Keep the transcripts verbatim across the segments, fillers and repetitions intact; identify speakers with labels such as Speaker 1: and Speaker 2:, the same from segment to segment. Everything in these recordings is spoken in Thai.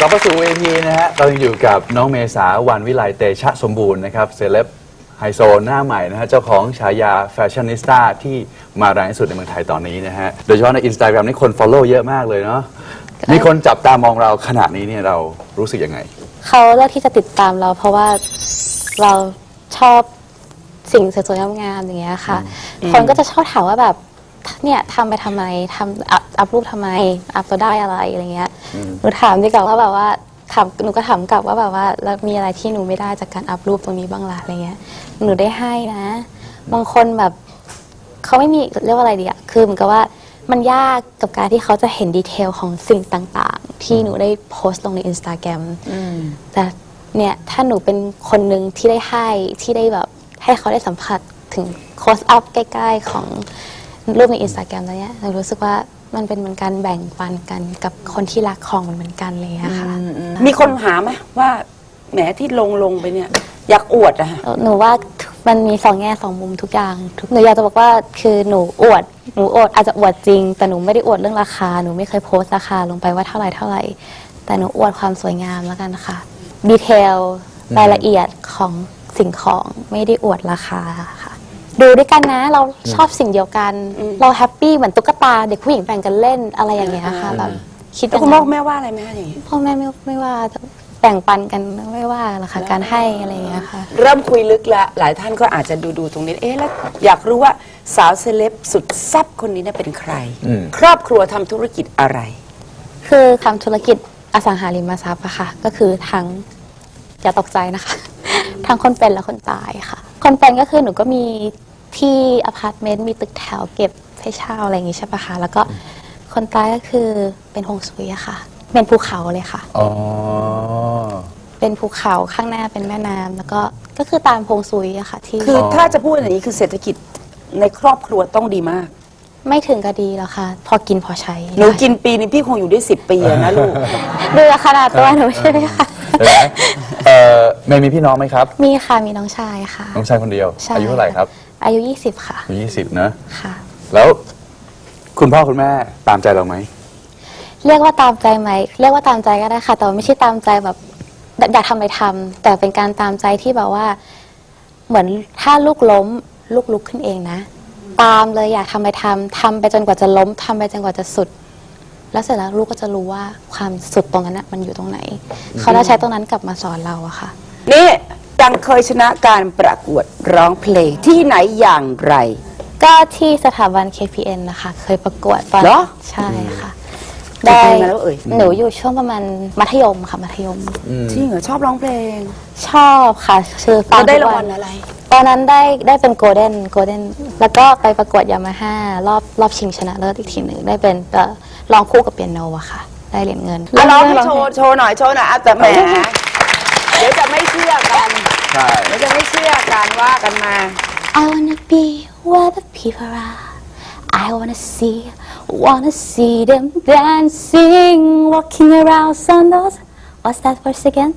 Speaker 1: กลับมาสู่เวทีนะฮะเรายังอยู่กับน้องเมษาวันวิไลเตชะสมบูรณ์นะครับเซเลบไฮโซหน้าใหม่นะฮะเจ้าของฉายาแฟชั่นนิสต้าที่มาแรงที่สุดในเมืองไทยตอนนี้นะฮะโดยเฉพาะใน Instagram นี่คน follow เยอะมากเลยเนาะมีคนจับตามองเราขนาดนี้เนี่ยเรารู้สึกยังไง
Speaker 2: เขาเลือกที่จะติดตามเราเพราะว่าเราชอบสิ่งสวยๆงามๆอย่างเงี้ยค่ะคนก็จะชอบถามว่าแบบเนี่ยทำไปทำไมทำอัพรูปทำไมอัพแล้วได้อะไรอะไรเงี้ยหนูถามดีกว่าว่าแบบว่าถามหนูก็ถามกลับว่าแบบว่าแล้วมีอะไรที่หนูไม่ได้จากการอัพรูปตรงนี้บ้างล่ะอะไรเงี้ยหนูได้ให้นะบางคนแบบเขาไม่มีเรียกว่าอะไรดีอะคือเหมือนกับว่ามันยากกับการที่เขาจะเห็นดีเทลของสิ่งต่างๆที่หนูได้โพสต์ลงใน Instagram แต่เนี่ยถ้าหนูเป็นคนหนึ่งที่ได้ให้ที่ได้แบบให้เขาได้สัมผัสถึงโคสอัพใกล้ๆของรูปใน Instagram แล้วเนี่ยหนูรู้สึกว่ามันเป็นเหมือนการแบ่งปันกันกับคนที่รักของมันเหมือนกันเลยอะค่ะ
Speaker 3: มีคนหาไหมว่าแหมที่ลงลงไปเนี่ยอยากอวดอะ
Speaker 2: หนูว่ามันมีสองแง่สองมุมทุกอย่างหนูอยากจะบอกว่าคือหนูอวดหนูอวดอาจจะอวดจริงแต่หนูไม่ได้อวดเรื่องราคาหนูไม่เคยโพสต์ราคาลงไปว่าเท่าไหร่เท่าไหร่แต่หนูอวดความสวยงามแล้วกันค่ะดีเทลรายละเอียดของสิ่งของไม่ได้อวดราคาค่ะดูด้วยกันนะเราชอบสิ่งเดียวกันเราแฮปปี้เหมือนตุ๊กตาเด็กผู้หญิงแบ่งกันเล่นอะไรอย่างเงี้ยค่ะแบบคิด
Speaker 3: คุณพ่อแม่ว่าอะไรไหมอย่างนี้
Speaker 2: พ่อแม่ไม่ไม่ว่าแบ่งปันกันไม่ว่าหรอกค่ะการให้อะไรอย่างเงี้ยค่ะ
Speaker 3: เริ่มคุยลึกแล้วหลายท่านก็อาจจะดูดูตรงนี้เอ๊ะแล้วอยากรู้ว่าสาวเซเลบสุดแซ่บคนนี้เป็นใครครอบครัวทำธุรกิจอะไร
Speaker 2: คือทำธุรกิจอสังหาริมทรัพย์อะค่ะก็คือทั้งอย่าตกใจนะคะทั้งคนเป็นและคนตายค่ะคนเป็นก็คือหนูก็มีที่อพาร์ตเมนต์มีตึกแถวเก็บให้เช่าอะไรอย่างงี้ใช่ปะคะแล้วก็คนตายก็คือเป็นฮวงซุยอะค่ะเป็นภูเขาเลยค่ะอ๋อเป็นภูเขาข้างหน้าเป็นแม่น้ำแล้วก็ก็คือตามฮวงซุยอะค่ะที่
Speaker 3: คือถ้าจะพูดอย่างนี้คือเศรษฐกิจในครอบครัวต้องดีมาก
Speaker 2: ไม่ถึงก็ดีแล้วค่ะพอกินพอใช้
Speaker 3: หนูกินปีนี้พี่คงอยู่ได้สิบปีนะลูก
Speaker 2: ดูขนาดตัวหนูใช่ไหมคะ
Speaker 1: เออเมย์มีพี่น้องไหมครับ
Speaker 2: มีค่ะมีน้องชายค่ะ
Speaker 1: น้องชายคนเดียวอายุเท่าไหร่ครับ
Speaker 2: อายุยี่สิบค่ะ
Speaker 1: อายุยี่สิบนะ
Speaker 2: ค่ะ
Speaker 1: แล้วคุณพ่อคุณแม่ตามใจเราไหม
Speaker 2: เรียกว่าตามใจไหมเรียกว่าตามใจก็ได้ค่ะแต่ไม่ใช่ตามใจแบบอยากทำอะไรทำแต่เป็นการตามใจที่แบบว่าเหมือนถ้าลูกล้มลูกลุกขึ้นเองนะตามเลยอยากทำอะไรทำทำไปจนกว่าจะล้มทำไปจนกว่าจะสุดแล้วเสร็จแล้วลูกก็จะรู้ว่าความสุดตรงนั้นมันอยู่ตรงไหนเขาจะใช้ตรงนั้นกลับมาสอนเราอะค่ะ
Speaker 3: นี่ดังเคยชนะการประกวดร้องเพลงที่ไหนอย่างไร
Speaker 2: ก็ที่สถาบัน เค พี เอ็น นะคะเคยประกวดตอนใช่ค่ะ
Speaker 3: ได้แล้วเอ่ย
Speaker 2: หนูอยู่ช่วงประมาณมัธยมค่ะมัธยม
Speaker 3: จริงเหรอชอบร้องเพลง
Speaker 2: ชอบค่ะชื่อ
Speaker 3: ฟังได้รางวัลอะไร
Speaker 2: ตอนนั้นได้ได้เป็นโกลเด้นโกลเด้นแล้วก็ไปประกวดยามาฮ่ารอบรอบชิงชนะเลิศอีกทีหนึ่งได้เป็นร้องคู่กับเปียโนอะค่ะได้เหรียญเงิน
Speaker 3: ร้องโชว์โชว์หน่อยโชว์หน่อยแต่แหมเดี๋ยวจะไม่เชื่อกันเดี๋ยวจะไม่เชื่อกันว่ากันมา
Speaker 2: I wanna be where the people are I wanna see wanna see them dancing walking around on those what's that verse again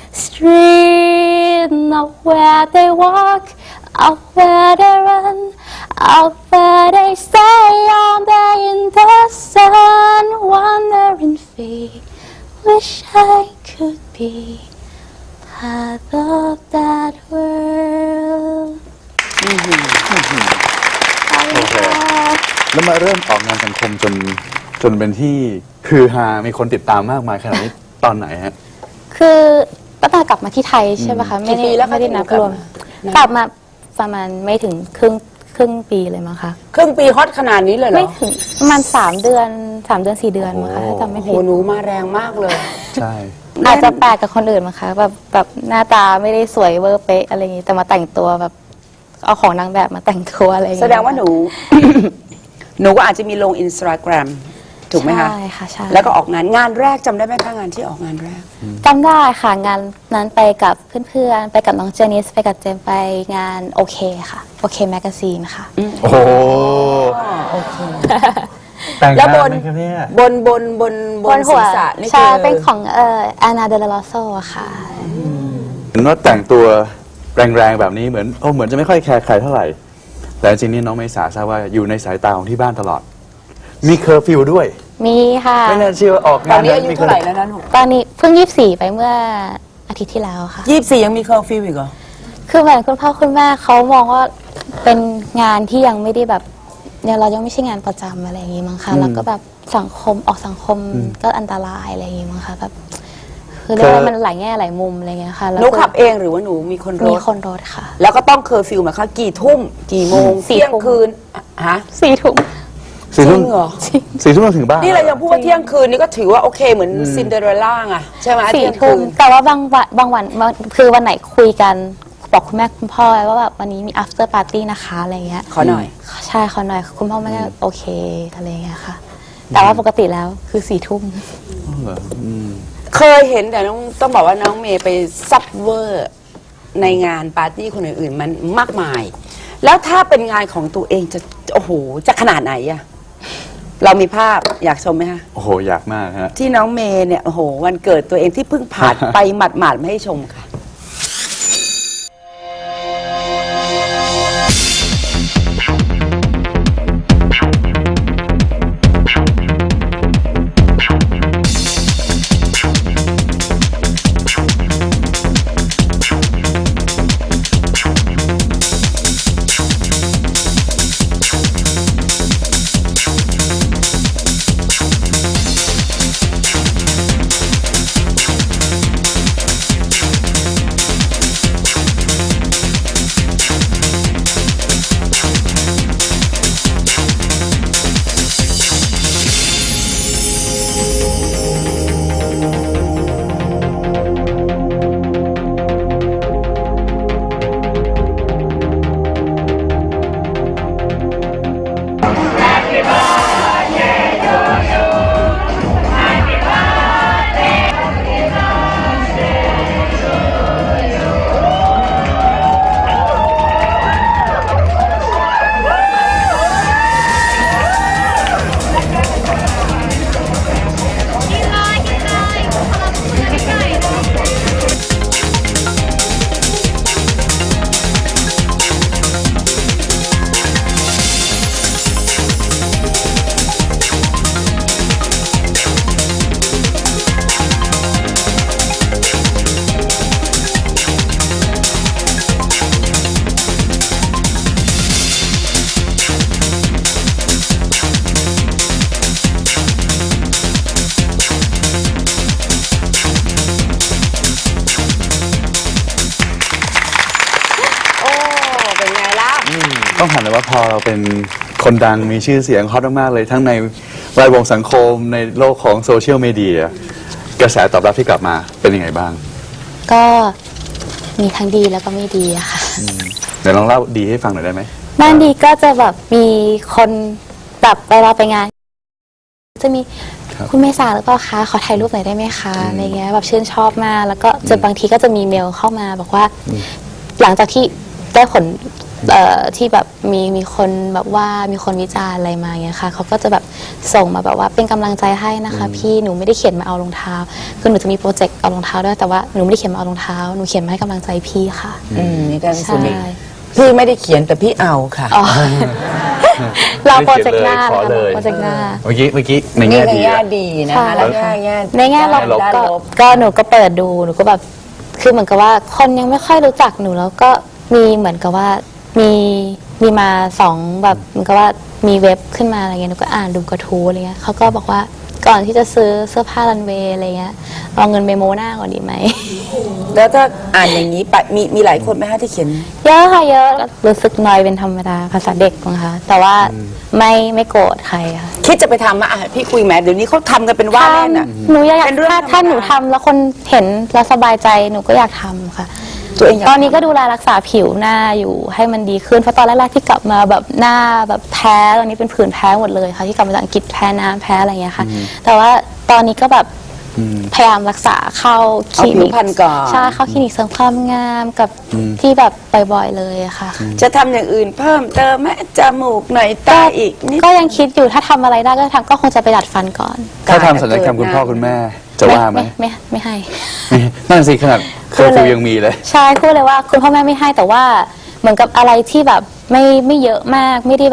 Speaker 2: street not where they walk out where they run out where they stay all day in the sun wandering feet wish I could be part of that world
Speaker 1: โอเคแล้วมาเริ่มออกงานสังคมจนจนเป็นที่คือฮามีคนติดตามมากมายขนาดนี้ตอนไหนฮะ
Speaker 2: คือตั้งแต่กลับมาที่ไทยใช่ไหมคะไม่ได้ไม่ได้นับรวมกลับมาประมาณไม่ถึงครึ่งครึ่งปีเลยมั้งคะ
Speaker 3: ครึ่งปีฮอตขนาดนี้เลยเหรอ
Speaker 2: ไม่ถึงประมาณสามเดือนสามเดือนสี่เดือนมั้งคะถ้าจำไม่ผิด
Speaker 3: โอ้หนูมาแรงมากเลย
Speaker 1: ใช่
Speaker 2: อาจจะแปลกกับคนอื่นมั้งคะแบบแบบหน้าตาไม่ได้สวยเวอร์เป๊ะอะไรอย่างงี้แต่มาแต่งตัวแบบเอาของนางแบบมาแต่งตัวอะไรอย่าง
Speaker 3: เงี้ยแสดงว่าหนูหนูก็อาจจะมีลง Instagram ถูกไหมคะ
Speaker 2: ใช่ค่ะใช่
Speaker 3: แล้วก็ออกงานงานแรกจำได้ไหมคะงานที่ออกงานแรก
Speaker 2: จำได้ค่ะงานนั้นไปกับเพื่อนๆไปกับน้องเจนิสไปกับเจมไปงานโอเคค่ะโอเคแมกกาซีนค่ะ
Speaker 1: โอ้โอเคแต่งงานไหมครับเนี่ย
Speaker 3: บนบนบนบนศีรษะนี่คือ
Speaker 2: ใช่เป็นของเอ่ออานาเดลลาโซค่ะ
Speaker 1: เห็นว่าแต่งตัวแรงๆแบบนี้เหมือนโอ้เหมือนจะไม่ค่อยแคร์ใครเท่าไหร่แต่จริงๆนี่น้องเมษาทราบว่าอยู่ในสายตาของที่บ้านตลอดมีเคอร์ฟิวด้วย
Speaker 2: มีค่ะ
Speaker 1: ไม่น่าเชื่อว่าออก
Speaker 3: ตอน
Speaker 1: งาน
Speaker 3: นี้อายุ
Speaker 1: มีค
Speaker 3: เท่าไหร่แล้วนะหนู
Speaker 2: ตอนนี้เพิ่งยี่สิบสี่ไปเมื่ออาทิตย์ที่แล้วค่ะ
Speaker 3: ยี่สิบสี่ยังมีเคอร์ฟิวอีกเหรอ
Speaker 2: คือเหมือนคุณพ่อคุณแม่เขามองว่าเป็นงานที่ยังไม่ได้แบบเนี่ยเรายังไม่ใช่งานประจำอะไรอย่างงี้มั้งคะแล้วก็แบบสังคมออกสังคมก็อันตรายอะไรอย่างงี้มั้งคะแบบคือเรียกว่ามันหลายแง่หลายมุมอะไรเงี้ยค่ะ
Speaker 3: ห
Speaker 2: แล้ว
Speaker 3: นู
Speaker 2: ก็
Speaker 3: ขับเองหรือว่าหนูมีคนร
Speaker 2: มี
Speaker 3: ถ
Speaker 2: คนรถค่ะ
Speaker 3: แล้วก็ต้องเคอร์ฟิวหมายความกี่ทุ่ม กี่โมง
Speaker 2: สี่
Speaker 3: เที่ยง
Speaker 2: ทุ่ม
Speaker 3: คืนฮะ
Speaker 2: สี่ถุง
Speaker 1: สี่ทุ่ม
Speaker 3: จริงเหรอ
Speaker 1: สี่ทุ่มเราถึงบ้าน
Speaker 3: นี่เรายังพูดว่าเที่ยงคืนนี่ก็ถือว่าโอเคเหมือนซินเดอเรลล่าไงใช่ไหม
Speaker 2: สี่
Speaker 3: เที่ยง
Speaker 2: ทุ่
Speaker 3: คื
Speaker 2: ม
Speaker 3: น
Speaker 2: แต่ว่าบางวันบางวันคือวันไหนคุยกันบอกคุณแม่คุณพ่อไว้ว่าแบบวันนี้มี after party นะคะอะไรเงี้ย
Speaker 3: ขอหน่อย
Speaker 2: ใช่ขอหน่อยคุณพ่อแม่ก็โอเคอะไรเงี้ยค่ะ แต่ว่าปกติแล้วคือสี่ทุ่ม
Speaker 1: เหรออืม
Speaker 3: เคยเห็นแต่น้องต้องบอกว่าน้องเมย์ไปซับเวอร์ในงานปาร์ตี้คนอื่นๆมันมากมาย แล้วถ้าเป็นงานของตัวเองจะโอ้โหจะขนาดไหนอะเรามีภาพอยากชมไหมคะ
Speaker 1: โอ้โห อยากมากฮะ
Speaker 3: ที่น้องเมย์เนี่ยโอ้โหวันเกิดตัวเองที่เพิ่งผ่าน ไปหมาดๆมาให้ชมค่ะ โอ้เป็นไงล่ะ
Speaker 1: ต้องถามเลยว่าพอเราเป็นคนดังมีชื่อเสียงฮอตมากๆเลย ทั้งในแวดวงสังคมในโลกของโซเชียลมีเดียกระแสตอบรับที่กลับมาเป็นยังไงบ้าง
Speaker 2: ก็มีทั้งดีแล้วก็ไม่ดีอะค่ะ
Speaker 1: เดี๋ยวลองเล่าดีให้ฟังหน่อยได้ไหม
Speaker 2: ด้านดีก็จะแบบมีคนแบบเวลาไปงาน จะมี
Speaker 1: ครับ
Speaker 2: คุณเมษาหรือเปล่าคะขอถ่ายรูปหน่อยได้ไหมคะอะไรเงี้ยแบบชื่นชอบมากแล้วก็จะบางทีก็จะมีเมลเข้ามาบอกว่า หลังจากที่ได้ผลเอ่อที่แบบมีมีคนแบบว่ามีคนวิจารณ์อะไรมาเงี้ยค่ะเขาก็จะแบบส่งมาแบบว่าเป็นกำลังใจให้นะคะ พี่หนูไม่ได้เขียนมาเอารองเท้าคือหนูจะมีโปรเจกต์เอารองเท้าด้วยแต่ว่าหนูไม่ได้เขียนมาเอารองเท้าหนูเขียนมาให้กำลังใจพี่ค่ะ
Speaker 3: อืมนี่การสุ
Speaker 2: ใช่
Speaker 3: นิพี่ไม่ได้เขียนแต่พี่เอาค่ะ
Speaker 2: อ๋อเราโปรเจกต์หน้า
Speaker 1: ขอเลย
Speaker 2: โปรเจกต์หน้า
Speaker 1: เมื่อกี้เมื่อกี้ใน
Speaker 3: นี่
Speaker 1: แง่
Speaker 3: ใน
Speaker 1: ดี
Speaker 3: แง่
Speaker 1: อะ
Speaker 3: ดีนะ
Speaker 2: ใช่
Speaker 3: คะแล้วแง่แง่
Speaker 2: ในแง่ลบ
Speaker 3: ด้าน
Speaker 2: ก็
Speaker 3: ลบ
Speaker 2: ก็หนูก็เปิดดูหนูก็แบบคือเหมือนกับว่าคนยังไม่ค่อยรู้จักหนูแล้วก็มีเหมือนกับว่ามีมีมาสองแบบเหมือนกับว่ามีเว็บขึ้นมาอะไรเงี้ยหนูก็อ่านดูกระทู้อะไรเงี้ยเขาก็บอกว่าก่อนที่จะซื้อเสื้อผ้ารันเวย์อะไรเงี้ยเอาเงินไปโมหน้าก่อนดีไหม
Speaker 3: แล้วถ้าอ่านอย่างนี้ไปมีมีหลายคนไหมคะที่เขียน
Speaker 2: เยอะค่ะเยอะรู้สึกน้อยเป็นธรรมดาภาษาเด็กนะคะแต่ว่าไม่ไม่โกรธใครค่ะ
Speaker 3: คิดจะไปทำมาอ่ะพี่คุยแหมเดี๋ยวนี้เขาทำกันเป็นว่าเล่นอ่ะ
Speaker 2: หนูอยาก
Speaker 3: เป็นเรื่อง
Speaker 2: ถ้า
Speaker 3: ธรรมดา
Speaker 2: ถ้าหนูทำแล้วคนเห็นแล้วสบายใจหนูก็อยากทำค่ะ
Speaker 3: ตัวเองอยาก
Speaker 2: ตอนนี้ก็ดูแลรักษาผิวหน้าอยู่ให้มันดีขึ้นเพราะตอนแรกๆที่กลับมาแบบหน้าแบบแพ้ตอนนี้เป็นผื่นแพ้หมดเลยค่ะที่กลับมาจากอังกฤษแพ้น้ำแพ้อะไรอย่างเงี้ยค่ะ แต่ว่าตอนนี้ก็แบบพยายามรักษาเข้าค
Speaker 3: เอา
Speaker 2: ลิ
Speaker 3: ผิ
Speaker 2: นิ
Speaker 3: ว
Speaker 2: ก
Speaker 3: พรรณก่อน
Speaker 2: ใช่เข้าคลินิกเสริมความงามกับที่แบบบ่อยๆเลยอะค่ะ
Speaker 3: จะทำอย่างอื่นเพิ่มเติมไหมจมูกหน่อยตาอีกนิด
Speaker 2: ก็ยังคิดอยู่ถ้าทำอะไรได้ก็ทำก็คงจะไปดัดฟันก่อน
Speaker 1: ถ้าทำศัลยกรรมคุณพ่อคุณแม่จะว่าไหม
Speaker 2: ไม่ไม่ไม่ให้
Speaker 1: นั่นสิขนาดเคอร์ฟิวยังมีเลย
Speaker 2: ใช่พูดเลยว่าคุณพ่อแม่ไม่ให้แต่ว่าเหมือนกับอะไรที่แบบไม่ไม่เยอะมากไม่ได้แบบ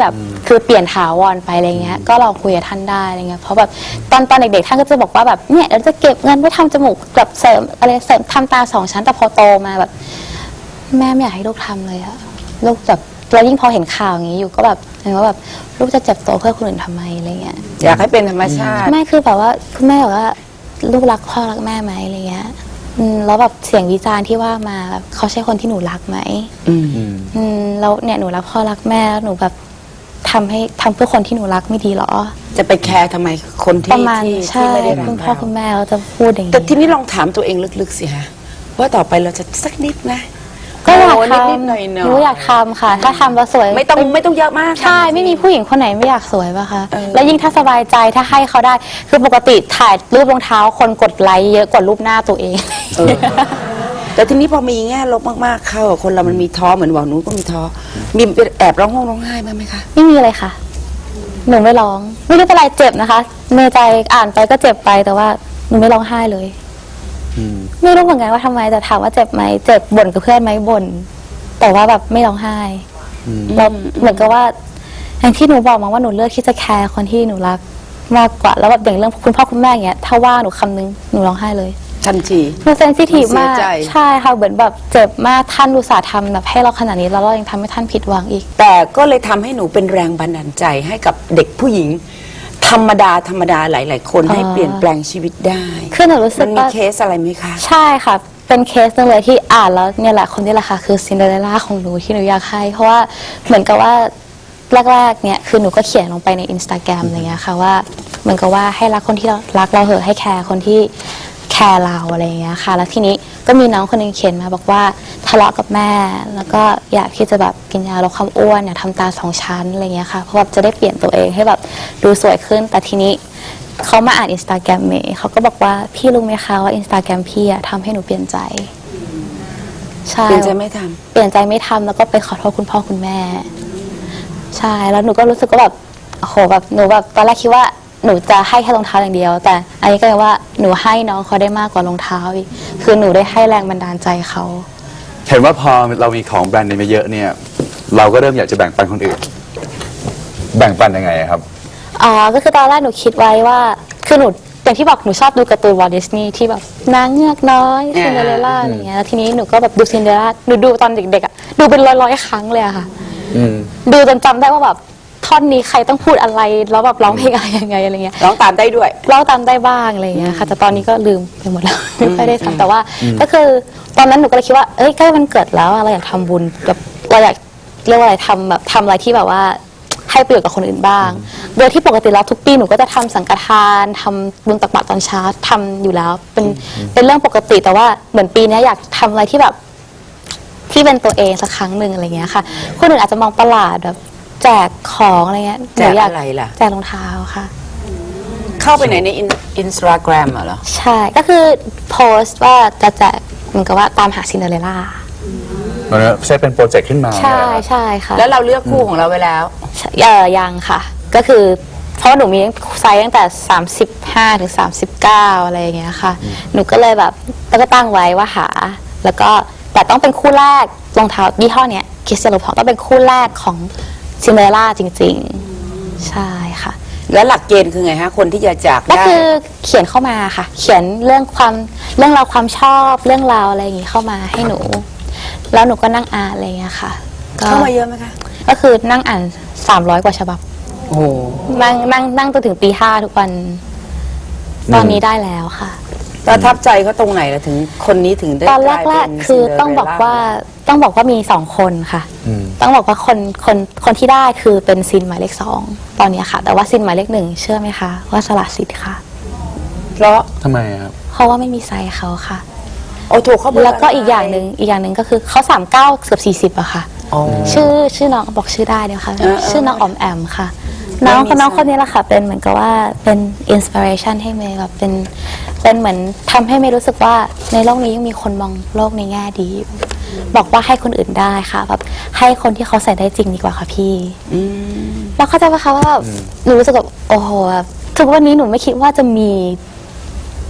Speaker 2: คือเปลี่ยนถาวรไปอะไรเงี้ยก็ลองคุยกับท่านได้อะไรเงี้ยเพราะแบบตอนตอนเด็กๆท่านก็จะบอกว่าแบบเนี่ยเราจะเก็บเงินไว้ทำจมูกแบบเสริมอะไรเสริมทำตาสองชั้นแต่พอโตมาแบบแม่ไม่อยากให้ลูกทำเลยอะลูกแบบแล้วยิ่งพอเห็นข่าวอย่างนี้อยู่ก็แบบเห็นว่าแบบลูกจะเจ็บตัวเพื่อคนอื่นทำไมอะไรเงี้ย
Speaker 3: อยากให้เป็นธรรมชาติ
Speaker 2: ไม่คือแบบว่าคุณแม่บอกว่าลูกรักพ่อรักแม่ไหมอะไรเงี้ยอืมแล้วแบบเสียงวิจารณ์ที่ว่ามาแบบเขาใช่คนที่หนูรักไหม
Speaker 3: อืม
Speaker 2: อืมแล้วเนี่ยหนูรักพ่อรักแม่แล้วหนูแบบทำให้ทำเพื่อคนที่หนูรักไม่ดีเหรอ
Speaker 3: จะไปแคร์ทำไมคน
Speaker 2: ป
Speaker 3: ที่
Speaker 2: ระมาณ
Speaker 3: ที่
Speaker 2: ใช่
Speaker 3: ที่ไม่ได้รัก
Speaker 2: คุณพ่อ
Speaker 3: เรา
Speaker 2: คุณแม่เขาจะพูดอย่าง
Speaker 3: แต่
Speaker 2: นี้
Speaker 3: ทีนี้ลองถามตัวเองลึกๆสิฮะว่าต่อไปเราจะสักนิดนะ
Speaker 2: ก็อยาก
Speaker 3: โนิด
Speaker 2: ทำ
Speaker 3: นิดๆหน่อยๆ
Speaker 2: หนูอยากทำค่ะ ถ้าทำแล้วสวย
Speaker 3: ไม่ต้องไม่ต้องเยอะมาก
Speaker 2: ใช่ไม่มีผู้หญิงคนไหนไม่อยากสวยป่ะคะ
Speaker 3: เออ
Speaker 2: แล้วยิ่งถ้าสบายใจถ้าให้เขาได้คือปกติถ่ายรูปรองเท้าคนกดไลค์เยอะกว่ารูปหน้าตัวเอง
Speaker 3: เออแต่ทีนี้พอมีแง่ลบมากๆเข้าคนเรามันมีท้อเหมือนหวังหนูก็มีท้อมีแอบร้องห้องร้องไห้บ้างไหมคะ
Speaker 2: ไม่มีเลยค่ะ หนูไม่ร้อง ไม่รู้เป็นไรเจ็บนะคะเมใจอ่านไปก็เจ็บไปแต่ว่าหนูไม่ร้องไห้เลย ไม่รู้เหมือนกันว่าทำไมแต่ถามว่าเจ็บไหมเจ็บบ่นกับเพื่อนไหมบ่นแต่ว่าแบบไม่ร้องไห้แล้วเหมือนกับว่าอย่างที่หนูบอกมาว่าหนูเลือกที่จะแคร์คนที่หนูรักมากกว่าแล้วแบบอย่างเรื่องคุณพ่อคุณแม่อย่างเงี้ยถ้าว่าหนูคำนึงหนูร้องไห้เลย
Speaker 3: ทันที
Speaker 2: หนูเซนซิทีฟมาก
Speaker 3: เสียใจ
Speaker 2: ใช่ค่ะเหมือนแบบเจ็บมากท่านอุตส่าห์ทำแบบให้เราขนาดนี้แล้วเรายังทำให้ท่านผิดหวังอีก
Speaker 3: แต่ก็เลยทำให้หนูเป็นแรงบันดาลใจให้กับเด็กผู้หญิง ธรรมดาธรรมดาหลาย ๆ คน
Speaker 2: อ่า
Speaker 3: ให้เปลี่ยนแปลงชีวิตได้
Speaker 2: คือหนูรู้สึ
Speaker 3: มั
Speaker 2: ก
Speaker 3: นมี
Speaker 2: ว่า
Speaker 3: เคสอะไรไหมคะ
Speaker 2: ใช่ค่ะ เป็นเคสหนึงเลยที่อ่านแล้วเนี่ยแหละคนนี้แหละค่ะคือซินเดอเรลล่าของหนูที่หนูอยากให้ เพราะว่าเหมือนกับว่าแรกๆเนี่ยคือหนูก็เขียนลงไปในอินสตาแกรมอะไรเงี้ยค่ะว่าเหมือนกับว่าให้รักคนที่เรารักเราเหอะให้แคร์คนที่แคร์เราอะไรเงี้ยค่ะแล้วทีนี้ก็มีน้องคนหนึงเขียนมาบอกว่าทะเลาะกับแม่ แล้วก็อยากที่จะแบบกินยาลดความอ้วนอยากทำตาสองชั้นอะไรเงี้ยค่ะเพราะแบบจะได้เปลี่ยนตัวเองให้แบบดูสวยขึ้นแต่ทีนี้ เขามาอ่านอินสตาแกรมเมย์เขาก็บอกว่าพี่รู้ไหมคะว่าอินสตาแกรมพี่อะทำให้หนูเปลี่ยนใจใช่
Speaker 3: เปลี่ยนใจไม่ทำ
Speaker 2: เปลี่ยนใจไม่ทำแล้วก็ไปขอโทษคุณพ่อคุณแม่ ใช่แล้วหนูก็รู้สึกว่าแบบโอ้โหแบบหนูแบบตอนแรกคิดว่าหนูจะให้แค่รองเท้าอย่างเดียว แต่อันนี้ก็เลยว่าหนูให้น้องเขาได้มากกว่ารองเท้าอีกคือหนูได้ให้แรงบันดาลใจเขา
Speaker 1: เห็นว่าพอเรามีของแบรนด์เนมเยอะเนี่ย เราก็เริ่มอยากจะแบ่งปันคนอื่น แบ่งปันยังไงครับ
Speaker 2: อ๋อก็คือตอนแรกหนูคิดไว้ว่าคือหนูอย่างที่บอกหนูชอบดูการ์ตูนวอลดิสนีย์ที่แบบนางเงือกน้อย
Speaker 3: อ่า
Speaker 2: ซินเดอเรลล่าอะไรเงี้ยแล้วทีนี้หนูก็แบบดูซินเดอเรลล่าหนูดูตอนเด็กๆอ่ะดูเป็นร้อยๆครั้งเลยอะค่ะ
Speaker 1: อืม
Speaker 2: ดูจนจำได้ว่าแบบท่อนนี้ใครต้องพูดอะไรแล้วแบบร้องเพลงอะไรยังไงอะไรเงี้ย
Speaker 3: ร้องตามได้ด้วย
Speaker 2: ร้องตามได้บ้างอะไรเงี้ยค่ะแต่ตอนนี้ก็ลืมไปหมดแล้ว ไม่ค่อยได้ทำแต่ว่าก็คือตอนนั้นหนูก็เลยคิดว่าเอ้ยใกล้วันเกิดแล้วอะเราอยากทำบุญแบบเราอยากเรียกว่าอะไรทำแบบทำอะไรที่แบบว่าให้ประโยชน์กับคนอื่นบ้าง โดยที่ปกติแล้วทุกปีหนูก็จะทำสังฆทานทำบุญตักบาตรตอนเช้าทำอยู่แล้วเป็นเป็นเรื่องปกติแต่ว่าเหมือนปีนี้อยากทำอะไรที่แบบที่เป็นตัวเองสักครั้งหนึ่งอะไรเงี้ยค่ะคนอื่นอาจจะมองประหลาดแบบแจกของอะไรเงี้ยห
Speaker 3: แจ
Speaker 2: นู
Speaker 3: ก
Speaker 2: อยาก
Speaker 3: อะไรล่ะ
Speaker 2: แจกรองเท้าค่ะ
Speaker 3: เข้าไปไหนในอินสตาแกรมเหรอ
Speaker 2: ใช่ก็คือโพสต์ว่าจะแจกเหมือนกับว่าตามหาซินเดอเรลล่า
Speaker 1: มันเซตเป็นโปรเจกต์ขึ้นมา
Speaker 2: ใช่
Speaker 1: เนี่ย
Speaker 2: ใช่ค่ะ
Speaker 3: แล้วเราเลือกคู่ของเราไว้แล้ว
Speaker 2: เออยังค่ะ ก็คือเพราะว่าหนูมีไซส์ตั้งแต่สามสิบห้าถึงสามสิบเก้าอะไรอย่างเงี้ยค่ะ หนูก็เลยแบบแล้วก็ตั้งไว้ว่าหา แล้วก็แต่ต้องเป็นคู่แรกรองเท้ายี่ห้อเนี้ยคิสเซโลพอต้องเป็นคู่แรกของซินเดอเรลล่าจริงๆ ใช่ค่ะ
Speaker 3: แล้วหลักเกณฑ์คือไงฮะ คนที่จะจาก
Speaker 2: ก็
Speaker 3: ได้
Speaker 2: คือเขียนเข้ามาค่ะ เขียนเรื่องความเรื่องราวความชอบเรื่องราวอะไรอย่างงี้เข้ามาให้หนู แล้วหนูก็นั่งอ่านอะไรอย่างเงี้ยค่ะก็
Speaker 3: เข้ามาเยอะไหมคะ
Speaker 2: ก็คือนั่งอ่านสามร้อยกว่าฉบับ
Speaker 3: โอ้โห
Speaker 2: นั่งนั่งนั่งจนถึงตีห้าทุกวัน ตอนนี้ได้แล้วค่ะ
Speaker 3: ประทับใจเขาตรงไหนล่ะถึงคนนี้ถึงได้
Speaker 2: ตอน
Speaker 3: กลาย
Speaker 2: แร
Speaker 3: เป็
Speaker 2: ก
Speaker 3: น
Speaker 2: ๆคือต้องบอกว่าต้องบอกว่ามีสองคนค่ะ
Speaker 1: อืม
Speaker 2: ต้องบอกว่าคนคนคนที่ได้คือเป็นซินหมายเลขสองตอนนี้ค่ะ แต่ว่าซินหมายเลขหนึ่งเชื่อไหมคะว่าสละสิทธิ์ค่ะ
Speaker 3: เพราะ
Speaker 1: ทำไมครับ
Speaker 2: เพราะว่าไม่มีไซส์เขาค่ะ
Speaker 3: โอ้ถูกเขาเบอร์
Speaker 2: แล้วก็อีกอย่างหนึ่งอีกอย่างหนึ่งก็คือเขาสามเก้าเกือบสี่สิบอะค่ะ
Speaker 3: อ๋อ
Speaker 2: ชื่อชื่อน้องบอกชื่อได้เดี๋ยวค่ะ
Speaker 3: เออเออ
Speaker 2: ชื่อน้องออมแอมค่ะ
Speaker 3: ไม่
Speaker 2: น้อง
Speaker 3: มี
Speaker 2: คนน้อง
Speaker 3: ไซส์
Speaker 2: คนนี้แหละค่ะ เป็นเหมือนกับว่าเป็นอินสปิเรชันให้เมย์แบบเป็นเป็นเหมือนทำให้เมย์รู้สึกว่าในโลกนี้ยังมีคนมองโลกในแง่ดีอยู่บอกว่าให้คนอื่นได้ค่ะแบบให้คนที่เขาใส่ได้จริงดีกว่าค่ะพี่
Speaker 3: อืม
Speaker 2: แล้วเข้าใจปะคะว่าแบบหนูรู้สึกแบบโอ้โหแบบทุกวันนี้หนูไม่คิดว่าจะมี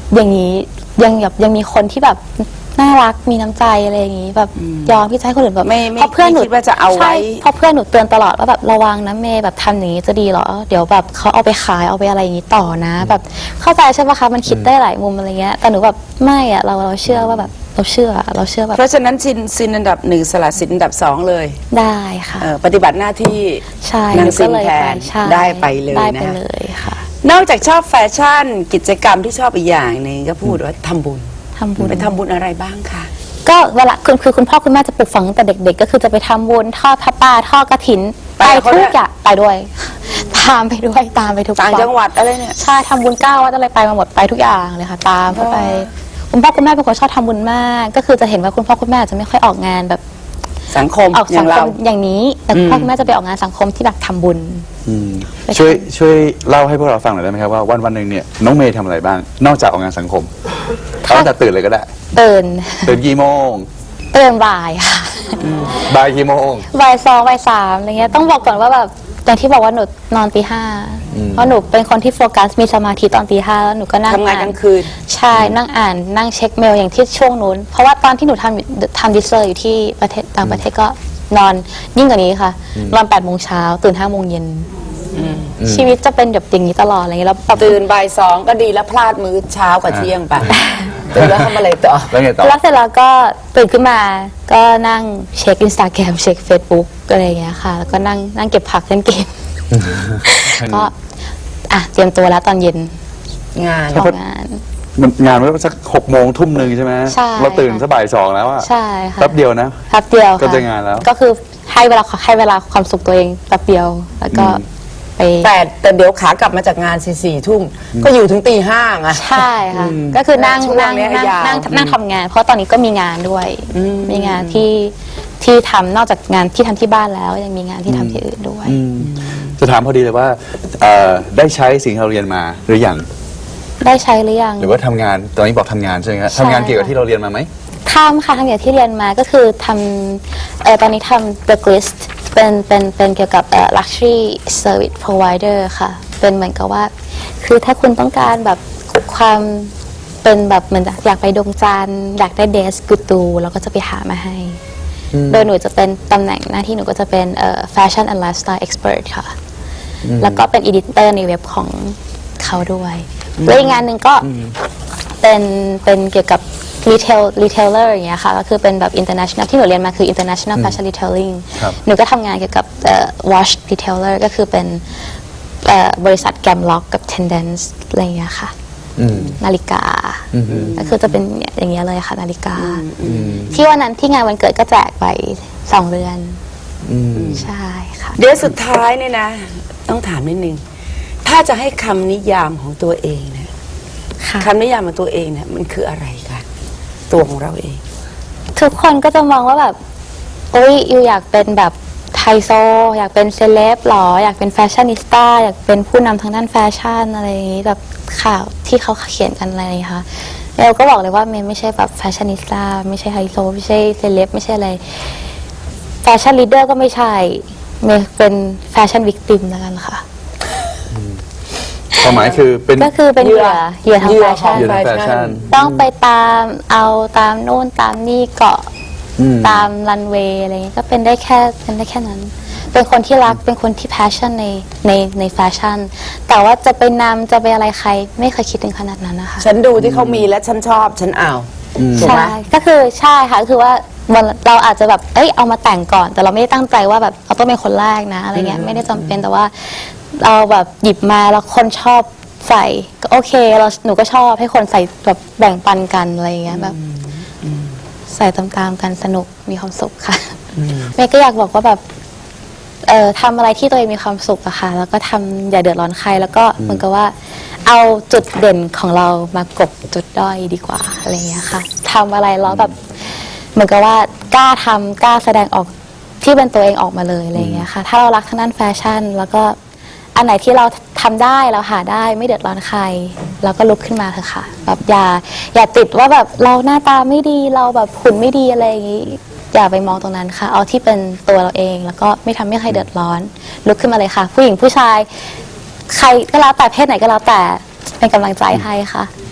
Speaker 2: อย่างนี้ยังแบบยังมีคนที่แบบน่ารักมีน้ำใจอะไรอย่างนี้แบบยอมที่จะให้คนอื่นแบบ
Speaker 3: ไม่ไม่
Speaker 2: เพราะเพื่อนหนู
Speaker 3: ไม่คิดว่าจะเอาไว้
Speaker 2: ใช่เพราะเพื่อนหนูเตือนตลอดว่าแบบระวังนะเมย์แบบทำอย่างนี้จะดีเหรอเดี๋ยวแบบเขาเอาไปขายเอาไปอะไรอย่างนี้ต่อนะ แบบเข้าใจใช่ปะคะมันคิดได้หลายมุมอะไรเงี้ยแต่หนูแบบไม่อะเราเราเชื่อว่าแบบเราเชื่อเราเชื่อแบบ
Speaker 3: เพราะฉะนั้นซินซินอันดับหนึ่งสละสินอันดับสองเลย
Speaker 2: ได้ค่ะ
Speaker 3: เอ่อปฏิบัติหน้าที่
Speaker 2: ใช่
Speaker 3: นาง
Speaker 2: หนู
Speaker 3: ซิ
Speaker 2: ก็
Speaker 3: น
Speaker 2: เลย
Speaker 3: แท
Speaker 2: ไป
Speaker 3: น
Speaker 2: ใช่
Speaker 3: ได้ไปเลย
Speaker 2: ได้
Speaker 3: นะ
Speaker 2: ไป
Speaker 3: คะ
Speaker 2: เลยค่ะ
Speaker 3: นอกจากชอบแฟชั่นกิจกรรมที่ชอบอีกอย่างหนึ่งก็พูดว่าทำบุญ
Speaker 2: ทำบุญ
Speaker 3: ไปทำบุญอะไรบ้างคะ
Speaker 2: ก็เวลาคือคือคุณพ่อคุณแม่จะปลูกฝังตั้งแต่เด็ก ๆ ก็คือจะไปทำบุญทอดผ้าป่าทอดกระถิน
Speaker 3: ไป
Speaker 2: ไป
Speaker 3: กับเขา
Speaker 2: ทุ
Speaker 3: ด้
Speaker 2: ก
Speaker 3: วย
Speaker 2: อย่างไปด้วย ตามไปด้วยตามไปทุก
Speaker 3: ต่างจังหวัดอะไรเนี่ย
Speaker 2: ใช่ทำบุญเก้าวัดอะไรไปมาหมดไปทุกอย่างเลยค่ะ ตามเข้าไป คุณพ่อคุณแม่เป็นคนชอบทำบุญมาก ก็คือจะเห็นว่าคุณพ่อคุณแม่จะไม่ค่อยออกงานแบบ
Speaker 3: สังคม
Speaker 2: ออก
Speaker 3: อ
Speaker 2: สั
Speaker 3: ย่าง ง
Speaker 2: ค
Speaker 3: เรา
Speaker 2: มอย่างนี้ แต่คุณพ่อคุณแม่จะไปออกงานสังคมที่แบบทำบุญ
Speaker 1: อืม
Speaker 2: ไป
Speaker 1: ช่วย
Speaker 2: ทำ
Speaker 1: ช่วยเล่าให้พวกเราฟังหน่อยได้ไหมครับว่าวันวันหนึ่งเนี่ยน้องเมย์ทำอะไรบ้าง นอกจากออกงานสังคมเอาตั้งแต่ตื่นเลยก็ได้
Speaker 2: ตื่น
Speaker 1: ตื่นกี่โมง
Speaker 2: ตื่นบ่ายค่ะ
Speaker 1: บ่ายกี่โมง
Speaker 2: บ่ายสองบ่ายสามอะไรเงี้ยต้องบอกก่อนว่าแบบอย่างที่บอกว่าหนูนอนตีห้าเพราะหนูเป็นคนที่โฟกัสมีสมาธิตอนตีห้าแล้วหนูก็นั่ง
Speaker 3: ทำงาน
Speaker 2: อ่
Speaker 3: กลางคืน
Speaker 2: ใช่นั่งอ่านนั่งเช็คเมลอย่างที่ช่วงนู้น เพราะว่าตอนที่หนูทำทำดิสเซอร์อยู่ที่ประเทศต่างประเทศก็นอนยิ่งกว่านี้ค่ะนอนแปดโมงเช้าตื่นห้าโมงเย็นชีวิตจะเป็นแบบอย่างนี้ตลอดอะไรเงี้ยแล้วแบบ
Speaker 3: ตื่นบ่ายสองก็ดีแล้วพลาดมื้อเช้ากับเที่ยงไปตื่นแล้วทำอะไรต่อ
Speaker 1: แล้วไงต่อ
Speaker 2: แล้วเสร็จแล้วก็ตื่นขึ้นมาก็นั่งเช็คอินสตาแกรมเช็คเฟซบุ๊กอะไรอย่างเงี้ยค่ะ แล้วก็นั่งนั่งเก็บผักเล่นเกม ก็อ่ะเตรียมตัวแล้วตอนเย็น
Speaker 3: งาน
Speaker 2: ทำงาน
Speaker 1: มันงานมันสักหกโมงทุ่มหนึ่งใช่ไหม
Speaker 2: ใช่
Speaker 1: เราตื่นสักบ่ายสองแล้วอะ
Speaker 2: ใช่ค่ะ
Speaker 1: แป๊บเดียวนะ
Speaker 2: แป๊บเดียวค่ะ
Speaker 1: ก็จะงานแล้ว
Speaker 2: ก็คือให้เวลาให้เวลาความสุขตัวเองแป๊บเดียวแล้วก็ไป
Speaker 3: แต่แต่เดี๋ยวขากลับมาจากงานสี่สี่ทุ่มก็อยู่ถึงตีห้าไง
Speaker 2: ใช่ค่ะก็คือนั่ง
Speaker 3: ช่วง
Speaker 2: นั่ง
Speaker 3: เนี้ย
Speaker 2: นั่ง
Speaker 3: ยาว
Speaker 2: นั่งนั่งทำงาน เพราะตอนนี้ก็มีงานด้วยมีงานที่ที่ทำนอกจากงานที่ทำที่บ้านแล้ว ยังมีงานที่ทำที่อื่นด้วย
Speaker 1: จะถามพอดีเลยว่าเอ่อได้ใช้สิ่งที่เราเรียนมาหรือยัง
Speaker 2: ได้ใช้หรือยัง
Speaker 1: หรือว่าทำงานตอนนี้บอกทำงานใช่ไหมครับ
Speaker 2: ใช่
Speaker 1: ทำงานเกี่ยวกับที่เราเรียนมาไหม
Speaker 2: ทำค่ะทำอย่างที่เรียนมาก็คือทำเอ่อตอนนี้ทำ The List เป็นเป็นเป็นเกี่ยวกับเอ่อ luxury service provider ค่ะ เป็นเหมือนกับว่า คือถ้าคุณต้องการแบบความเป็นแบบเหมือนอยากไปดวงจันทร์อยากได้เดสกูตูเราก็จะไปหามาให้ โดยหนูจะเป็นตำแหน่งหน้าที่หนูก็จะเป็นเอ่อ fashion and lifestyle expert ค่ะ แล้วก็เป็น editor ในเว็บของเขาด้วยแล้วอีกงานหนึ่งก็เป็นเป็นเกี่ยวกับ retail retailer อย่างเงี้ยค่ะ ก็คือเป็นแบบ international ที่หนูเรียนมาคือ international fashion retailing
Speaker 1: ครับ
Speaker 2: หนูก็ทำงานเกี่ยวกับเอ่อ watch retailer ก็คือเป็นเอ่อบริษัท Gamlock กับ Tendence อะไรอย่างเงี้ยค่ะ นาฬิกาก็คือจะเป็นอย่างเงี้ยเลยค่ะนาฬิกา ที่วันนั้นที่งานวันเกิดก็แจกไปสองเรือนใช่ค่ะ
Speaker 3: เดี๋ยวสุดท้ายเนี่ยนะ ต้องถามนิดนึง ถ้าจะให้คำนิยามของตัวเองเนี่ย
Speaker 2: ค่ะ
Speaker 3: คำนิยามของตัวเองเนี่ยมันคืออะไรคะตัวของเราเอง
Speaker 2: ทุกคนก็จะมองว่าแบบโอ๊ยยูอยากเป็นแบบไฮโซอยากเป็นเซเลบหรอ อยากเป็นแฟชั่นนิสต้าอยากเป็นผู้นำทางด้านแฟชั่นอะไรอย่างนี้แบบข่าวที่เขาเขียนกันอะไรอย่างนี้ค่ะเราก็บอกเลยว่าเมย์ไม่ใช่แบบแฟชั่นนิสต้าไม่ใช่ไฮโซไม่ใช่เซเลบไม่ใช่อะไรแฟชั่นลีดเดอร์ก็ไม่ใช่เมย์เป็นแฟชั่นวิกติมแล้วกันค่ะ
Speaker 1: ความหมายคือเป็น
Speaker 2: ก็คือเป็นเหยื่อเหยื่อทาง
Speaker 3: เหยื่
Speaker 2: แฟ
Speaker 3: อ
Speaker 2: ชั่น
Speaker 1: เหยื่อทางแฟชั่น
Speaker 2: ต้องไปตามเอาตามโน่นตามนี่เกาะ
Speaker 1: อืม
Speaker 2: ตามรันเวย์อะไรเงี้ยก็เป็นได้แค่เป็นได้แค่นั้น เป็นคนที่รักเป็นคนที่ passion ในในในแฟชั่น แต่ว่าจะไปนำจะไปอะไรใครไม่เคยคิดถึงขนาดนั้นนะคะ
Speaker 3: ฉันดูที่เขามีและฉันชอบฉันเอาถูกไหม
Speaker 2: ใช่ก็คือใช่ค่ะก็คือว่าวันเราอาจจะแบบเอ้ยเอามาแต่งก่อน แต่เราไม่ได้ตั้งใจว่าแบบเราต้องเป็นคนแรกนะอะไรเงี้ยไม่ได้จำเป็นแต่ว่าเราแบบหยิบมาแล้วคนชอบใส่ก็โอเคเราหนูก็ชอบให้คนใส่แบบแบ่งปันกันอะไรเงี้ยแบบใส่ตามๆกันสนุกมีความสุขค่ะเมย์ก็อยากบอกว่าแบบเอ่อทำอะไรที่ตัวเองมีความสุขอะค่ะแล้วก็ทำอย่าเดือดร้อนใคร แล้วก็เหมือนกับว่าเอาจุดเด่นของเรามากบจุดด้อยดีกว่าอะไรเงี้ยค่ะทำอะไรแล้วแบบเหมือนกับว่ากล้าทำกล้าแสดงออกที่เป็นตัวเองออกมาเลยอะไรเงี้ยค่ะถ้าเรารักทางด้านแฟชั่น แล้วก็อันไหนที่เราทำได้เราหาได้ไม่เดือดร้อนใครเราก็ลุกขึ้นมาเถอะค่ะแบบอย่าอย่าติดว่าแบบเราหน้าตาไม่ดีเราแบบหุ่นไม่ดีอะไรอย่างงี้อย่าไปมองตรงนั้นค่ะเอาที่เป็นตัวเราเองแล้วก็ไม่ทำให้ใครเดือดร้อนลุกขึ้นมาเลยค่ะ ผู้หญิงผู้ชายใครก็แล้วแต่เพศไหนก็แล้วแต่เป็นกำลังใจให้ค่ะ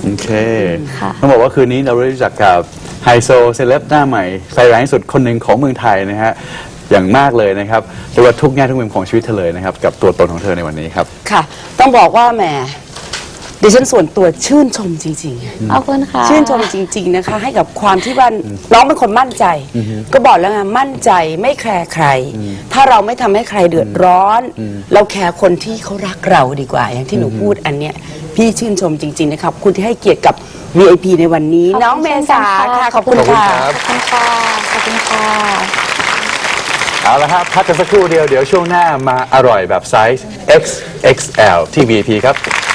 Speaker 1: โอเค
Speaker 2: ค่ะ
Speaker 1: ต้องบอกว่าคืนนี้เราได้รู้จักกับไฮโซเซเลบหน้าใหม่ไฟแรงที่สุดคนหนึ่งของเมืองไทยนะฮะอย่างมากเลยนะครับเรียกว่าทุกแง่ทุกมุมของชีวิตเธอเลยนะครับกับตัวตนของเธอในวันนี้ครับ
Speaker 3: ค่ะ ต้องบอกว่าแหมดิฉันส่วนตัวชื่นชมจริง
Speaker 2: ขอบคุณค่ะ
Speaker 3: ๆ ชื่นชมจริง ๆนะคะ ให้กับความที่ว่าน้องเป็นคนมั่นใจ ก็บอกแล้วไงมั่นใจไม่แคร์ใคร ถ้าเราไม่ทำให้ใครเดือดร้อน เราแคร์คนที่เขารักเราดีกว่า อย่างที่หนูพูดอันเนี้ยพี่ชื่นชมจริง ๆ นะครับคุณที่ให้เกียรติกับ วี ไอ พี ในวันนี้ น้องเมษาค่ะขอบคุณค่ะ
Speaker 2: ขอบคุณค่ะ ขอบคุณค่ะ
Speaker 1: เอาละครับพักกันสักครู่เดียวเดี๋ยวช่วงหน้ามาอร่อยแบบไซส์ เอ็กซ์ เอ็กซ์ แอล ที่ วี ไอ พี ครับ